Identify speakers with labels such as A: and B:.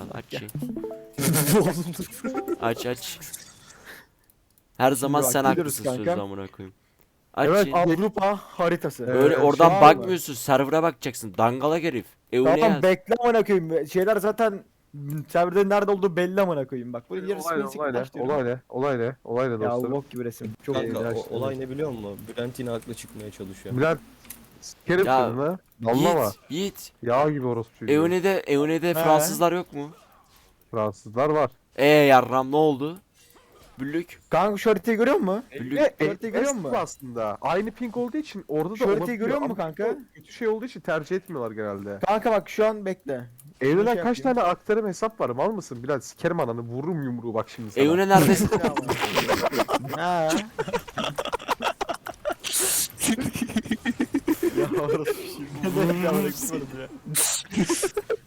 A: Al aç şey. Aç. Her zaman
B: bak,
A: sen
B: gidiyoruz
A: haklısın
B: kanka.
A: sözü amına koyayım. Aç
B: Evet,
A: şey.
B: Avrupa haritası.
A: Öyle
B: Şu
A: oradan
B: an mı?
A: bakmıyorsun, server'a bakacaksın. Dangalak herif. Evine
B: Tamam,
A: yaz.
B: bekle amına koyayım. Şeyler zaten serverde nerede olduğu belli amına koyayım. Bak bunun yarısı
C: Olay ne?
B: basic
C: Olay ne?
B: başlıyorum.
C: Olay ne? Olay ne? Olay ne
B: Ya
C: dostlarım?
B: bok gibi resim. Çok
D: Kanka
C: ya
D: o,
C: işte.
D: olay ne biliyor musun? Bülent yine haklı çıkmaya çalışıyor.
C: Bülent sikerim
A: Ya,
C: seni ha. Anlama.
A: Yiğit.
C: Yağ gibi orospu çocuğu.
A: Euni'de
B: He.
A: Fransızlar yok mu?
C: Fransızlar var.
A: Yarram ne oldu? Büllük.
B: Kanka şu haritayı görüyor musun?
A: Büllük.
B: Haritayı görüyor musun?
C: Aslında. Aynı ping olduğu için orada da
B: Şu haritayı
C: olabiliyor
B: görüyor musun
C: ama
B: kanka?
C: kötü şey olduğu için tercih etmiyorlar genelde.
B: Kanka bak şu an bekle.
C: Evlenen
B: şey
C: kaç
B: yapayım.
C: tane aktarım hesap var? Mal mısın Bülent? Sikerim ananı, vururum yumruğu bak şimdi sana.
A: Eune neredesin?
B: Ha. Ya orası şimdi. Ne demek ya?